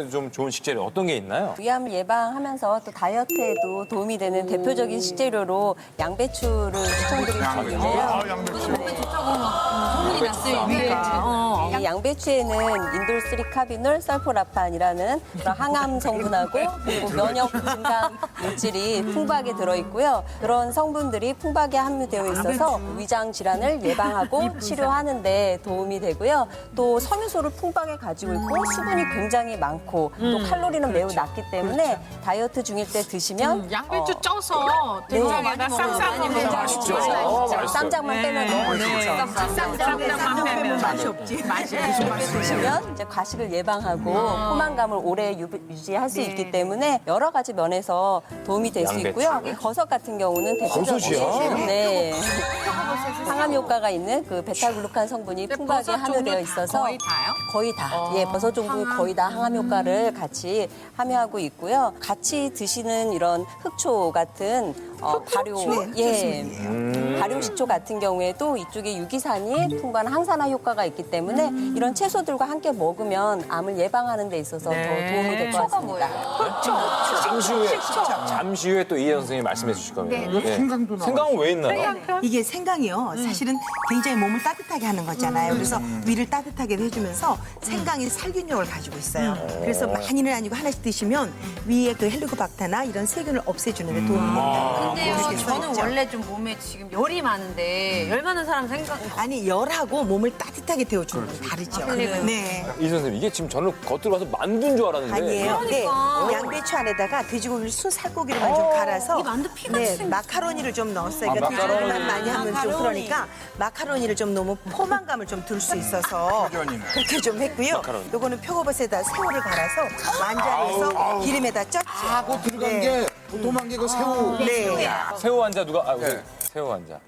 건강에도 좀 좋은 식재료 어떤 게 있나요? 위암을 예방하면서 또 다이어트에도 도움이 되는 대표적인 식재료로 양배추를 추천드릴 수 있는데요. 소문이 났어요. 이 양배추에는 인돌3 카비놀 설포라판이라는 그런 항암 성분하고 그리고 면역 증강 물질이 풍부하게 들어있고요. 그런 성분들이 풍부하게 함유되어 있어서 위장 질환을 예방하고 치료하는 데 도움이 되고요. 또 섬유소를 풍부하게 가지고 있고 수분이 굉장히 많고 또 칼로리는 매우 낮기 때문에 다이어트 중일 때 드시면 양배추 쪄서 된장에다 쌈 먹으면 맛있죠. 쌈장만 빼면 너무 맛있죠. 쌈장만 빼면 맛이 없지. 맛이 드시면 이제 과식을 예방하고 포만감을 오래 유지할 수 있기 때문에 여러 가지 면에서 도움이 될 수 양배추. 있고요. 이 버섯 같은 경우는 버섯이요? 네. 항암 효과가 있는 그 베타글루칸 성분이 풍부하게 함유되어 있어서 거의 다요? 거의 다. 예, 버섯 종류 거의 다 항암 효과를 같이 함유하고 있고요. 같이 드시는 이런 흑초 같은 발효, 발효 식초 같은 경우에도 이쪽에 유기산이 풍부한 항산화 효과가 있기 때문에 이런 채소들과 함께 먹으면 암을 예방하는 데 있어서 더 도움이 될 것 같습니다. 잠시 후에 또 이혜 선생님이 말씀해 주실 겁니다. 네. 생강도 나와. 생강은 왜 있나요? 이게 생강이요. 사실은 굉장히 몸을 따뜻하게 하는 거잖아요. 그래서 위를 따뜻하게 해주면서 생강이 살균력을 가지고 있어요. 그래서 많이는 아니고 하나씩 드시면 위에 그 헬리코박터나 이런 세균을 없애주는 데 도움이 됩니다. 근데요, 그렇게 써 저는 있죠. 원래 좀 몸에 지금 열이 많은데 열 많은 사람 생각 아니 열하고 몸을 따뜻하게 데워주는 건 다르죠. 네. 이 선생님 이게 지금 저는 겉으로 봐서 만두인 줄 알았는데 아니에요. 네. 그러니까. 양배추 안에다가 돼지고기를 순 살코기를만 좀 갈아서 만두 피가 네, 생- 마카로니를 좀 넣었어요. 그러니까 돼지고기만 많이 하면 좀 그러니까 마카로니를 좀 넣으면 포만감을 좀 들 수 있어서 그렇게 좀 했고요. 요거는 표고버섯에다 새우를 갈아서 만자리에서 기름에다 쪘죠. 하고 들어간 게 도톰한 게 그 새우. 네. 새우 환자 누가 우리 새우 환자.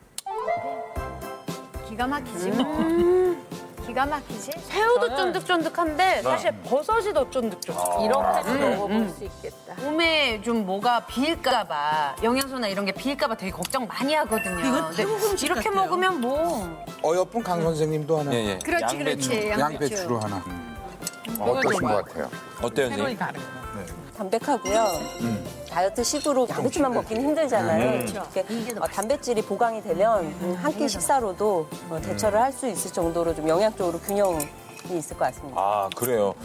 기가 막히지. 기가 막히지. 새우도 쫀득쫀득한데 사실 버섯이 더 쫀득쫀득. 이렇게도 먹어볼 수 있겠다. 몸에 좀 뭐가 비일까봐 영양소나 이런 게 비일까봐 되게 걱정 많이 하거든요. 이건 태국 음식 이렇게 같아요. 먹으면 뭐 어여쁜 강 선생님도 하나. 예. 그렇지, 그렇지. 양배추로 하나. 어떠신 것 같아요? 어때요, 선생님? 담백하고요. 다이어트 식으로 양배추만 먹기는 힘들잖아요. 이렇게 단백질이 보강이 되면 한 끼 식사로도 대처를 할 수 있을 정도로 좀 영양적으로 균형이 있을 것 같습니다. 아, 그래요.